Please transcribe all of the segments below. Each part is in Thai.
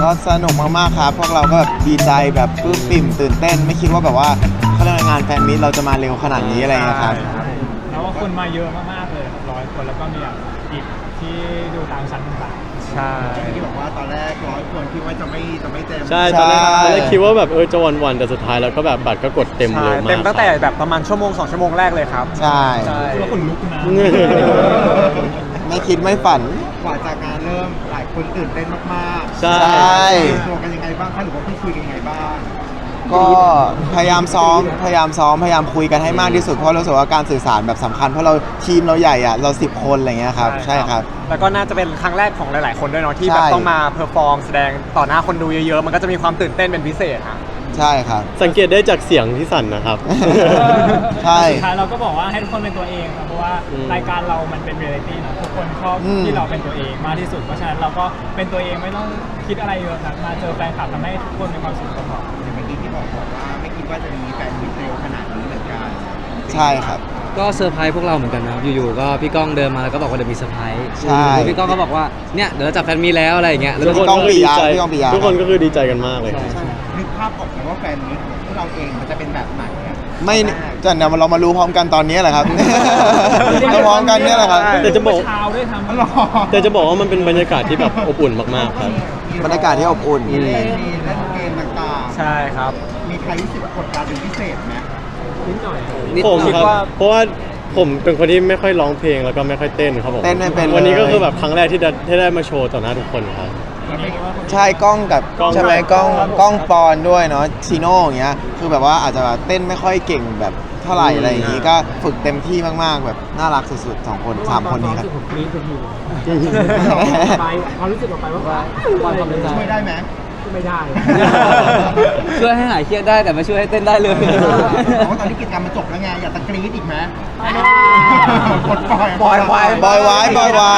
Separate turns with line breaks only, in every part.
ก็สนุกมากๆครับพวกเราก็แบบดีใจแบบปลื้มปิ่มตื่นเต้นไม่คิดว่าแบบว่าเขาเรียกว่างานแฟนมิตเราจะมาเร็วขนาดนี้อะไรเงี้ยครับ
แล้วว่าคนมาเยอะมากๆเลย100 คนแล้วก็มีอีกที่ดูตามชั้นต่างๆ
ใช่
ที่บอกว่าตอนแรก100 คนคิดว่าจะไม่เต็ม
ใช่ตอนแรกคิดว่าแบบจะวันแต่สุดท้ายแล้วก็แบบบัตรก็กดเต็มเร็วมาก
เต็มตั้งแต่แบบประมาณ1-2 ชั่วโมงแรกเลยครับ
ใช่
คือว่าคนลุกนะ
ไม่คิดไม่ฝัน
กว่าจากงานเริ่มหลายคนตื่นเต้นมากๆ
ใช่
ตัวกันยังไงบ้างคะหรือว่าพี่คุยกันยังไงบ้าง
ก็พยายามซ้อมพยายามคุยกันให้มากที่สุดเพราะรู้สึกว่าการสื่อสารแบบสำคัญเพราะเราทีมเราใหญ่อะเรา10 คนอะไรเงี้ยครับใช่ครับ
แล้วก็น่าจะเป็นครั้งแรกของหลายๆคนด้วยเนาะที่แบบ
ใช่
ต้องมาเพอร์ฟอร์มแสดงต่อหน้าคนดูเยอะๆมันก็จะมีความตื่นเต้นเป็นพิเศษฮะ
ใช่ครับ
สังเกตได้จากเสียงที่สั่นนะครับ
ใช่
สุดท้ายเราก็บอกว่าให้ทุกคนเป็นตัวเองครับเพราะว่ารายการเรามันเป็นเรียลิตี้นะทุกคนชอบที่เราเป็นตัวเองมากที่สุดเพราะฉะนั้นเราก็เป็นตัวเองไม่ต้องคิดอะไรเยอะครับมาเจอแฟนคลับทำให้ทุกคนมีความสุขก็พอ
อย่างเมื่อกี้ที่บอกว่าไม่คิดว่าจะมีแฟนมิตรเร็วขนาดนี้เหมือนกัน
ใช่ครับ
ก็เซอร์ไพรส์พวกเราเหมือนกันนะครับอยู่ๆก็พี่ก้องเดินมาแล้วก็บอกว่าเดี๋ยวมีเซอร์ไพรส์
ใช่
พี่ก้องก็บอกว่าเนี่ยเดี๋ยวเราจัดแฟนมีแล้วอะไรอย่างเงี้ยแล้ว
ทุ
ทุ
ก
ก
ค
คน น
ก็ดีใจ
ทุกคนก็คือดีใจกันมากเลย
นึกภาพออกไหมว่าแฟนมิตรของพวกเราเองมันจะเป็นแบบไหนอะ
ไม่จะเนี่ยเรามารู้พร้อมกันตอนนี้แหละครับ เราพร้อมกันเนี่ยแหละครับ
แต่จะบอก
เช้าด้วยทำ
หรอ
แต่จะบอกว่ามันเป็นบรรยากาศที่แบบอบอุ่นมากๆครับ
บรรยากาศที่อบอุ่น
มีเล่นเกมต่าง
ใช่ครับ
ๆมีใครรู้สึกกดดันเป็นพิเศษไหม
นิดหน่อย
ผม
คิด
ครับ
ว่า
เพราะว่าผมเป็นคนที่ไม่ค่อยร้องเพลงแล้วก็ไม่ค่อยเต้นครับผม
เต้นไม่เป็นเลย
วันนี้ก็คือแบบครั้งแรกที่ได้มาโชว์ต่อหน้าทุกคนครับ
ใช่กล้องกับ
กล้อง
ใช่ไหมกล้องปอนด้วยเนาะชิโน่อย่างเงี้ยคือแบบว่าอาจจะแบบเต้นไม่ค่อยเก่งแบบเท่าไหร่อะไรอย่างงี้ก็ฝึกเต็มที่มากๆแบบน่ารักสุดๆ2 คน 3 คนนี้ครับ
ผมกรี๊ดคุณอยู่ไปความรู้สึกออกไปว่าความเป็นใจ
ช่วยได้ไหม
ไม่ได้
ช่วยให้หายเครียดได้แต่ไม่ช่วยให้เต้นได้เลย
แต่ว่าตอนนี้กิจกรรมมันจบแล้วไงอยากจะกรี๊ดอีกไหมกดปล่อย
บอยไว้บอยไว้
บอยไว้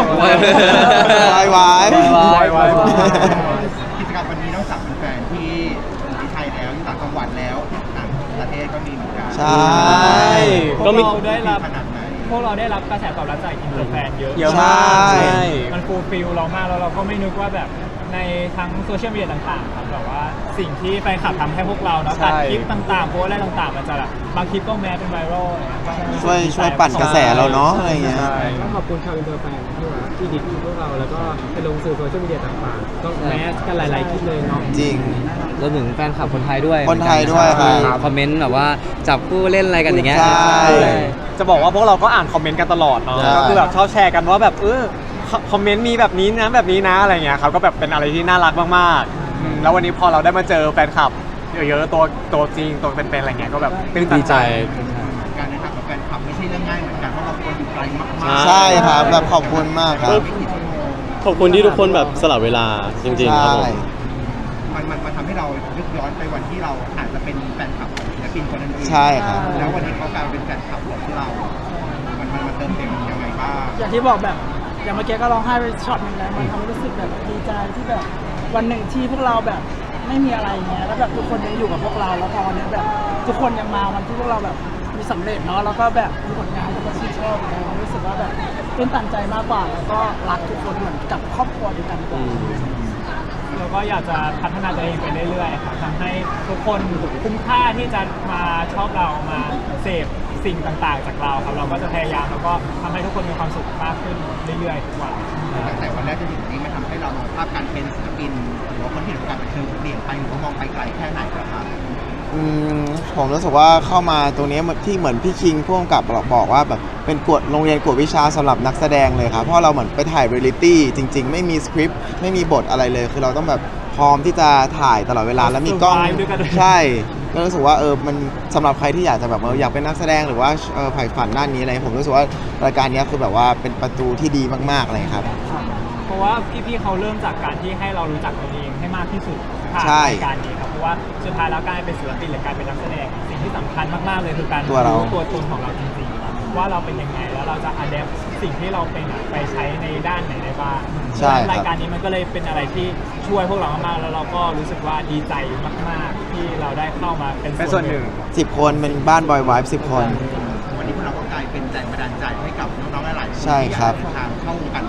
กิจกรรมวันนี้นอกจากแฟนๆที่ไทยแล้วที่ต่างจังหวัดแล้วต่างประเทศก็มีเหมือนกัน
ใช่
ก็มี
พวเราได้รับ
ขนาดไหน
พวกเราได้รับกระแสตอบรับจากอินเตอร์แฟนเยอะ
เยอะมาก
ใช่
มันฟูลฟิลเรามากแล้วเราก็ไม่นึกว่าแบบในทั้งโซเชียลมีเดียต่างๆครับแบบว่าสิ่งที่แฟนคลับทำให้พวกเราเนาะ
ใช่
ตัดคลิปต่างๆโพสต์อะไรต่างๆมันจะแบบบางคลิปก็แม้เป็นไวรัล
ช่วยปั่นกระแสเราเนาะอะไรเงี้ย
ต้องขอบคุณชาวอินเตอร์แฟนที่ดิบพวกเราแล้วก็ไปลงสื่อโซเชียลมีเดียต่างๆก็แมสกันหลายๆคลิปเลยเนาะ
จริง
รวมถึงแฟนคลับคนไทยด้วย
คนไทยด้วยครับ
ที่คอมเมนต์แบบว่าจับคู่เล่นอะไรกันอย่างเงี้ย
ใช่
จะบอกว่าพวกเราก็อ่านคอมเมนต์กันตลอดเนาะ
ใช่
ก็คือแบบชอบแชร์กันว่าแบบคอมเมนต์มีแบบนี้นะแบบนี้นะอะไรเงี้ยครับก็แบบเป็นอะไรที่น่ารักมากๆแล้ววันนี้พอเราได้มาเจอแฟนคลับเยอะๆตัวจริงตัวเป็นๆอะไรเงี้ยก็แบบตื้นตัน
ดีใจ
การเดินทางกับแฟนคลับไม่ใช่เรื่องง่ายเหมือนกันเพราะเราควรอยู่ไกลมากๆ
ใช่ครับแบบขอบคุณมากครับ
ไม่กี่ชั่วโมง
ขอบคุณที่ทุกคนแบบสละเวลาจริงๆครับผม
มันทำให้เรานึกย้อนไปวันที่เราอาจจะเป็นแฟนคลับของศิลปินคนนั้นเอง
ใช่ครับ
แล้ววันนี้เขากลายเป็นแฟนคลับของเรา มันมาเติมเต็มยังไงบ้าง
อย่างที่บอกแบบอย่างเมื่อกี้ก็ร้องไห้ไปช็อตหนึงแล้วมันทำให้รู้สึกแบบดีใจที่แบบวันหนึ่งที่พวกเราแบบไม่มีอะไรเงี้ยแล้วแบบทุกคนยังอยู่กับพวกเราแล้วพอวันนี้แบบทุกคนยังมาวันที่พวกเราแบบมีสำเร็จเนาะแล้วก็แบบมีผลงานทุกคนชื่นชอบเรารู้สึกว่าแบบเป็นตันใจมากกว่าแล้วก็รักทุกคนเหมือนกับครอบครัวเดียวกันกว่า
เราก็อยากจะพัฒนาตัวเองไปเรื่อยๆครับทำให้ทุกคนคุ้มค่าที่จะมาชอบเรามาเสพสิ่งต่างๆจากเราครับเราก็จะพยายามแล้วก็ทำให้ทุกคนมีความสุขมากขึ้นเรื่อยๆทุกวัน
ตั้งแต่วันแรกจนถึงวันนี้มันทำให้เรามองภาพการเป็นศิลปินหรือว่าคนที่อยู่ในวงการบันเทิงเปลี่ยนไปหรือว่ามองไปไกลแค่ไหนครับ
อืมผมรู้สึกว่าเข้ามาตรงนี้ที่เหมือนพี่คิงพ่วงกับบอกว่าแบบเป็นกฎโรงเรียนกวดวิชาสำหรับนักแสดงเลยครับเพราะเราเหมือนไปถ่ายเรียลลิตี้จริง ๆ ไม่มีสคริปต์ไม่มีบทอะไรเลย คือเราต้องแบบพร้อมที่จะถ่ายตลอดเวลาแล้วมีกล้อง
survive ด้วยกัน
ใช่ก็รู้สึกว่ามันสำหรับใครที่อยากจะแบบอยากเป็นนักแสดงหรือว่าใฝ่ฝันด้านนี้อะไรผมรู้สึกว่ารายการนี้คือแบบว่าเป็นประตูที่ดีมากๆเลยครับ
เพราะว่าพี่ๆเขาเริ่มจากการที่ให้เรารู้จักตัวเองให้มากที่สุดผ่าน
ใช่
รายการนี้ครับเพราะว่าสุดท้ายแล้วการเป็นศิลปินหรือการเป็นนักแสดงสิ่งที่สำคัญมากๆเลยคือการ
ตัวเรา
รู้ตัวตนของเราจริงๆว่าเราเป็นยังไงแล้วเราจะอัดแอปสิ่งที่เราเป็นไปใช้ในด้านไหนได้บ้าง
ใช่ครับ
รายการนี้มันก็เลยเป็นอะไรที่ช่วยพวกเรามากๆแล้วเราก็รู้สึกว่าดีใจมากๆที่เราได้เข้ามาเป็น
ส่วนหนึ่ง
10 คนเป็นบ้านบอยไวฟ์10 คน
วันนี้พวกเราก็กลายเป็นแรงบันดาลใจให้กับน้องๆหลายๆคน
ใช่ครับ
ที่อยากเดินทางเข้าวงการบันเทิงเหมือน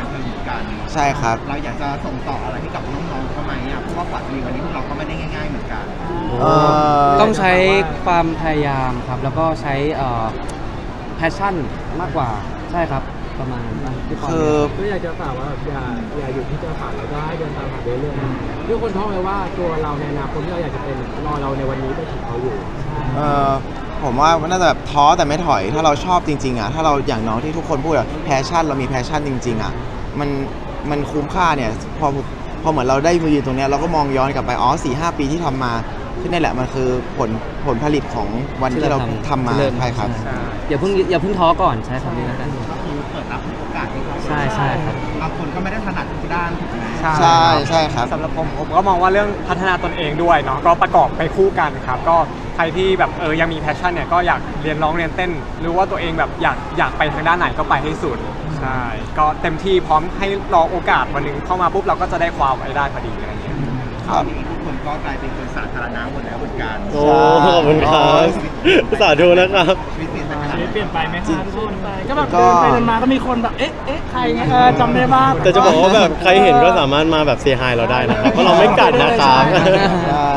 กัน
ใช่ครับ
เราอยากจะส่งต่ออะไรให้กับน้องๆเขาไหมอ่ะเพราะว่าฝันดีวันนี้พวกเราก็ไม่ได้ง่ายๆเหมือนกัน
ต้องใช้ความพยายามครับ แล้วก็ใช้แพชชั่นมากกว่าใช่ครับประมาณนั้นที่ปอน
คือ
ก็อยากจะฝากว่าอย่าอยู่ที่เจ้าฝันแล้วก็ให้เดินตามฝันเรื่อยๆทุกคนท้องเลยว่าตัวเราในอนาคตที่เราอยากจะเป็นรอเราในวันนี้ไปถึงเขาอยู่
ผมว่าน่าจะแบบท้อแต่ไม่ถอยถ้าเราชอบจริงๆอ่ะถ้าเราอย่างน้องที่ทุกคนพูดอะแพชชั่นเรามีแพชชั่นจริงๆอ่ะมันคุ้มค่าเนี่ยพอเหมือนเราได้มายืนตรงเนี้ยเราก็มองย้อนกลับไป4-5 ปีที่ทำมาที่นี่แหละมันคือผลผลิตของวันที่เราทำมาใช่ครับ
อย่าเพิ่งท้อก่อนใช้คำนี้แล้วกัน
ก็คือเปิดรับโอกาสให้เขา
ใช่ครับ
บางคนก็ไม่ได้ถนัดทุกด้านถูกไหม
ใช่ครับ
สำหรับผมก็มองว่าเรื่องพัฒนาตนเองด้วยเนาะก็ประกอบไปคู่กันครับก็ใครที่แบบยังมีแพชชั่นเนี่ยก็อยากเรียนร้องเรียนเต้นหรือว่าตัวเองแบบอยากไปทางด้านไหนก็ไปให้สุดใช่ก็เต็มที่พร้อมให้รอโอกาสวันหนึ่งเข้ามาปุ๊บเราก็จะได้ความไว้ได้พอดีอะไรอย่างเงี้ย
ครับ
วันนี้ทุกคนก็กลายเป็นคนสาธารณะหมดแล้วเหมือนกัน
โอ้ขอบคุณครับสาธุนะครับ
ชีวิตเปลี่ยนไปขนาด
ชีวิต
ไหน
เปลี่ยนไปไหมคะทุกคน
ก็แบบเดินไปเดินมาก็มีคนแบบเอ๊ะใครเงี้ยจำได้บ้าง
แต่จะบอกว่าแบบใครเห็นก็สามารถมาแบบเซฮายเราได้นะครับเพราะเราไม่กัดนะครับ
ใช่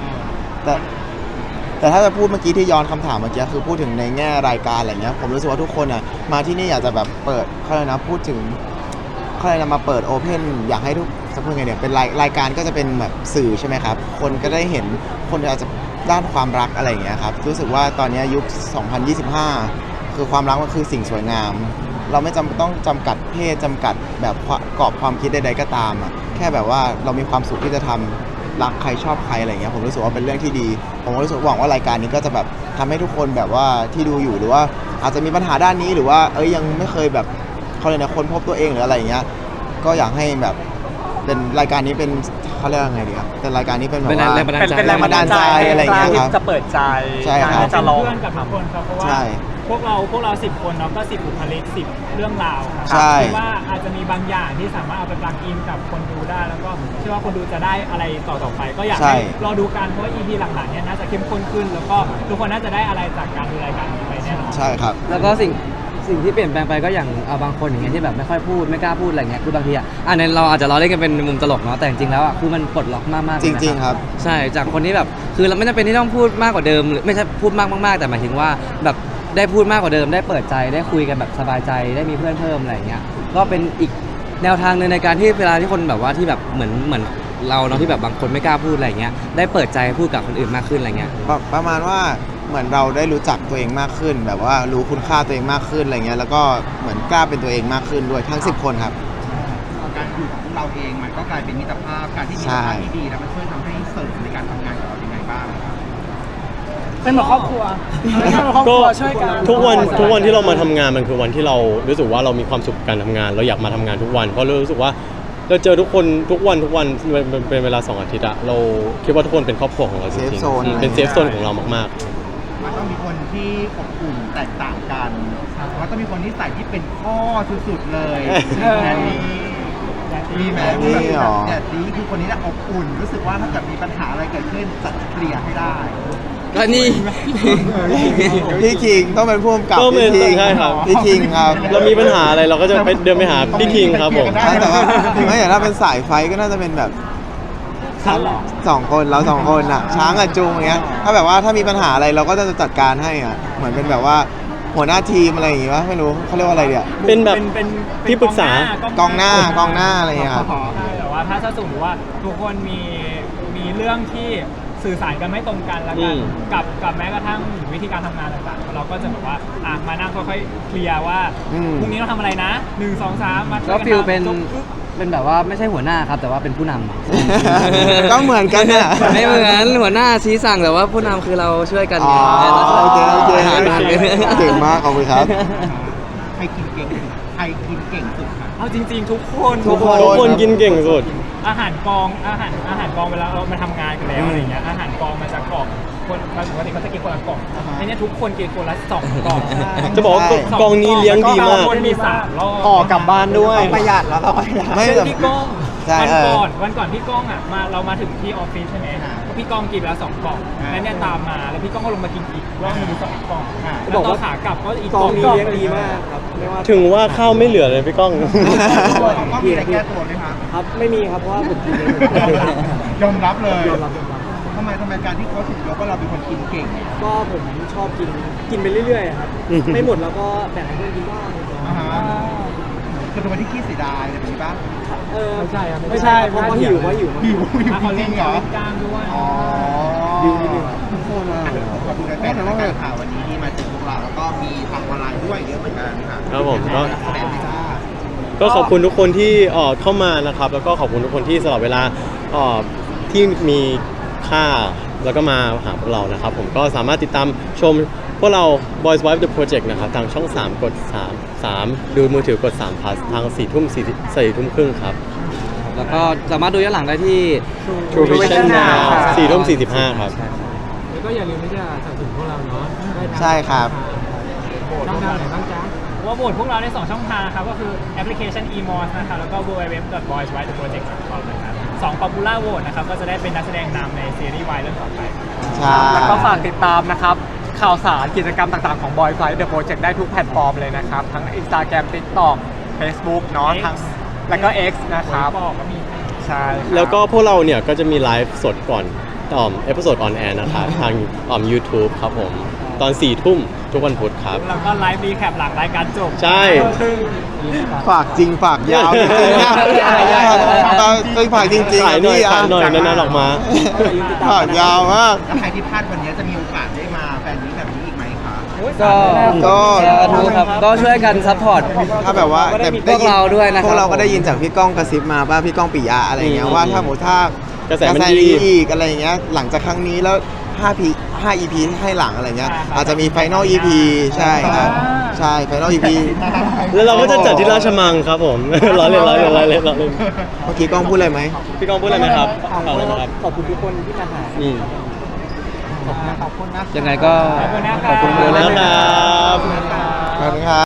แต่ถ้าจะพูดเมื่อกี้ที่ย้อนคำถามเมื่อกี้คือพูดถึงในแง่รายการอะไรเงี้ยผมรู้สึกว่าทุกคนอ่ะมาที่นี่อยากจะแบบเปิดเขาเลยกนะพูดถึงเขาเลยกนะมาเปิดโอเพนอยากให้ทุกจะพูดไงเนี่ยเป็นรายการก็จะเป็นแบบสื่อใช่ไหมครับคนก็ได้เห็นคนอาจจะด้านความรักอะไรอย่างเงี้ยครับรู้สึกว่าตอนนี้ยุค 2025 คือความรักมันคือสิ่งสวยงาม เราไม่ต้องจำกัดเพศจำกัดแบบกรอบความคิดใดๆก็ตามอ่ะแค่แบบว่าเรามีความสุขที่จะทำรักใครชอบใครอะไรเงี้ยผมรู้สึกว่าเป็นเรื่องที่ดี ผมรู้สึกหวังว่ารายการนี้ก็จะแบบทำให้ทุกคนแบบว่าที่ดูอยู่หรือว่าอาจจะมีปัญหาด้านนี้หรือว่ายังไม่เคยแบบเขาเลยกนะค้นพบตัวเองหรืออะไรอย่างเงี้ยก็อยากให้แบบเป็นรายการนี้เป็นเขาเรียกว่าไงดีครับเป็นรายการนี้เป็นแบบว่า
เป็นแรงบันดาลใจ
อะไรอย่างเงี้ยครับ
จะเปิดใจ
ใช่ครับ
จะลอง
เพื่อนกับทุกคนครับเพราะว่า
ใช่
พวกเรา10 คนเนาะก็10 บุคลิก10 เรื่องราวครับ
ใช่
คิดว่าอาจจะมีบางอย่างที่สามารถเอาไปปลักอินกับคนดูได้ แล้วก็เชื่อว่าคนดูจะได้อะไรต่อไป ก็อยากให้รอดูกันเพราะว่า EP หลังๆเนี่ยน่าจะเข้มข้นขึ้น แล้วก็ทุกคนน่าจะได้อะไรจากการดูรายการนี้ไปแน่นอน
ใช่ครับ
แล้วก็สิ่งที่เปลี่ยนแปลงไปก็อย่างบางคนอย่างเงี้ยที่แบบไม่ค่อยพูดไม่กล้าพูดอะไรเงี้ยคือบางทีในเราอาจจะล้อเล่นกันเป็นมุมตลกเนาะแต่จริงๆแล้วคือมันปลดล็อกมากๆเลย
จ
นะ
ริงๆครับ
ใช่จากคนที่แบบคือเราไม่จำเป็นที่ต้องพูดมากกว่าเดิมหรือไม่ใช่พูดมากๆแต่หมายถึงว่าแบบได้พูดมากกว่าเดิมได้เปิดใจได้คุยกันแบบสบายใจได้มีเพื่อนเพิ่มอะไรเงี้ยก็เป็นอีกแนวทางหนึงในการที่เวลาที่คนแบบว่าที่แบบเหมือนเราเนาะที่แบบบางคนไม่กล้าพูดอะไรเงี้ยได้เปิดใจพูดกับคนอื่นมากขึ้นอะไรเงี้ย
ประมาณว่าเหมือนเราได้รู้จักตัวเองมากขึ้น แบบว่ารู้คุณค่าตัวเองมากขึ้นอะไรเงี้ยแล้วก็เหมือนกล้าเป็นตัวเองมากขึ้นด้วยทั้ง10 คนครับ
การอยู่ของพวกเราเองมันก็กลายเป็นมิตรภาพการที่มีมิตรภาพที่ดีแล้วมันช่วยทำให้เสริมในการทำงานของเรายังไงบ้างครับ
เป็นเหมือนครอบครัวเป็นเหมือนครอบค
ก็
รัวช่วยกัน
ทุกวันที่เรามาทำงานมันคือวันที่เรารู้สึกว่าเรามีความสุขกับการทำงาน เราอยากมาทำงานทุกวันเพราะเรารู้สึกว่าเราเจอทุกคนทุกวันเป็นเวลา2 อาทิตย์อะเราคิดว่าทุกคนเป็นครอบครัวของเราจริง
Safe zone
ๆเป็นเซฟโซนของเรามาก
มันต้องมีคนที่อบอุ่นแตกต่างกันแล้วก็มีคนที่ใส่ที่เป็นข้อสุดๆเลยแบบนี้มีไหม
แบบนี้เหรอ
แบบนี้คือคนนี้น่ะอบอุ่น รู้สึกว่าถ้าเกิดมีปัญหาอะไรเกิดขึ้นจะเคลียร์ให้ได้
ก็นี่
พี่คิงต้องเป็นผู้กำกับ
ก็เป็น
พี่คิง
ใช่ครับ
พี่คิงครับ
ๆ เรามีปัญหาอะไรเราก็จะไปเดินไปหาพี่คิงครับผม
แต่ว่าไม่อย่างถ้าเป็นสายไฟก็น่าจะเป็นแบบ2 คนเรา2 คนอ่ะช้างกับจูงอย่างเงี้ยถ้าแบบว่าถ้ามีปัญหาอะไรเราก็จะจัดการให้อ่ะเหมือนเป็นแบบว่าหัวหน้าทีมอะไรอย่างงี้วะไม่รู้เขาเรียกว่าอะไรเดี๋ย
เป็นแบบที่ปรึกษา
กองหน้อะไรอย่างเงี้ยครับ
ใช่แต่ว่าถ้าสมมติว่าทุกคนมีเรื่องที่สื่อสารกันไม่ตรงกันแล้วกันกับแม้กระทั่งวิธีการทำงานต่างๆเราก็จะแบบว่ามานั่งค่อยๆเคลียร์ว่าพรุ่งนี้เราทำอะไรนะ1 2 3มาช่วย
ก็
กัน
ฟิลเป็น
จบปึ๊บ
เป็นแบบว่าไม่ใช่หัวหน้าครับแต่ว่าเป็นผู้น
ก็เหมือนกันเนี่ย
ำ ไม่เหมือนหัวหน้าชี้สั่งแต่ว่าผู้นำคือเราช่วยกัน
อ๋อ
เราช่วย
โอเค
หารกัน
เก่งมากขอบคุณครับ
ใครกินเก่งใครกินเก่งสุดครับ
เอาจริงๆ ทุกคน
ทุกคน
ทุกคนกินเก่งสุด
อาหารกองเวลาเรามาทำงานกันแล้วอะไรเงี้ยอาหารกองมาจากกล่องคนปกติเขาจะกินคนละกล่องไอ้เนี่ยทุกคนกินคนละ2 กล่อง
จะบอกว่ากองนี้เลี้ยงดีมาก
คนมี3 รอบ
ห่อกลับบ้านด้วย
ประหยัดแล้วเราประหยัด
ไม่
เช่น
แต่
พี่ก้อง
ใช่
วันก่อนพี่ก้องอ่ะเรามาถึงที่ออฟฟิศใช่ไหมพี่ก้องกินไปแล้ว2 กล่องแล้วเนี่ยตามมาแล้วพี่ก้องก็ลงมากินอีกรอบนึง2 กล่องแล้วตอนขากลับก็อีก
กองนี้
2
เลี้ยงดีมากครับไม่ว่า
ถึงว่าข้าวไม่เหลือเลยพี่ก้อง
ก็มีอะไรแก้ตัวไหมคะ
ครับไม่มีครับเพราะว่าผมกินเอง
ยอมรับเลย
ยอมรับ
ทำไมการที่เขาถึงยกว่าเราเป็นคนกินเก่ง
ก็ผมชอบกินไปเรื่อยๆครับ ไม่หมดแล้วก็แบ่งให้เพื่อนกินบ้าง
อ่าฮะคือเป็นคนที่ขี้เสียดายอะไรแบบนี้ป่ะ
ไม่ใช่ครับไม่ใช่เพราะว่าหิวว่าหิว
หิว
เขา
จ
เล่
ริ
น
งเหรอ
กลางด้วย
อ๋อ
หิวนิดนึง
ขอบคุณแฟนๆรายการข่าววันนี้ที่มาเจอพวกเราแล้วก็มีทางออนไลน์ด้วยเยอะเหมือนกันค่ะ
ครับผมก็
แสดงไม่ได้
ก็ขอบคุณทุกคนที่เข้ามานะครับ แล้วก็ขอบคุณทุกคนที่สละเวลาที่มีค่าแล้วก็มาหาพวกเรานะครับ ผมก็สามารถติดตามชมพวกเรา Boys Wife The Project นะครับทางช่อง 3 กด 3 ดูมือถือกด3 plus ทาง 4 ทุ่ม4 ทุ่มครึ่งครับ
แล้วก็สามารถดูย้อนหลังได้ที่
True Vision Now 4 ทุ่ม 45 ครับ
แล้วก็อย่าลืมที่จะสนับสนุนพวกเราเนาะได้ทาง
ใช่ครับ
ช่องทางไหนบ้างจ๊ะ
ว่าโหวตพวกเราได้2 ช่องทางครับก็คือแอปพลิเคชัน eMOS นะครับแล้วก็ www.boyswiththeproject.com นะครับ2 popular vote นะครับก็จะได้เป็นนักแสดงนำในซีรีส์วายเรื่องต่อไป
ใช่
แล้วก็ฝากติดตามนะครับข่าวสารกิจกรรมต่างๆของ Boy Flight The Project ได้ทุกแพลตฟอร์มเลยนะครับ ทั้ง Instagram TikTok Facebook เนาะ
X
ทั้งแล้วก็ X นะครับ
บอกก็มี
ใช่ครับ
แล้วก็พวกเราเนี่ยก็จะมีไลฟ์สดก่อนเอพิโซดออนแอร์นะครับทางYouTube ครับผมตอน 4 ทุ่มทุกวันพุธครับ
แล้วก็ไลฟ์รีแคปหลังรายการจบ
ใช่
ฝากจริงฝากยาวจริงๆนะต้องฝากจริงๆ
ขายหน่อย
พี่
ขายหน่อยนานๆออกมา
ฝากยาวมาก
แล้วใครที่พลาดวันนี้จะมีโอกาสได้มาแฟนนี้แบบนี้อีกไหมคะ
ก็
ก็
สาธุครับก็ช่วยกันซัพพอร์ต
ถ้าแบบว่าแต่
พวกเราด้วยนะครับ
พวกเราก็ได้ยินจากพี่ก้องกระซิบมาว่าพี่ก้องปิยะอะไรเงี้ยว่าถ้าหมดถ้าก
ระแสมันดี
อีกอะไรเงี้ยหลังจากครั้งนี้แล้ว5 EP ให้หลังอะไรเงี้ยอาจจะมี Final EP ใช่ครับใช่ Final EP
แล้วเราก็จะจัดที่ราชมังครับผม ล้อเล่นล้อเล่นล้อเล่นล้อเล่น
เมื่อกี้ก้องพูดอะไรไหม
พี่ก้องพูดอะไรไหมครับบอกเลยนะครับ
ขอบคุณทุกคนที่มาหา
อืม
ขอบคุณนะ
ยังไงก็
ขอบคุณนะครับ
ขอบคุณนะครับ
ขอบคุณครับ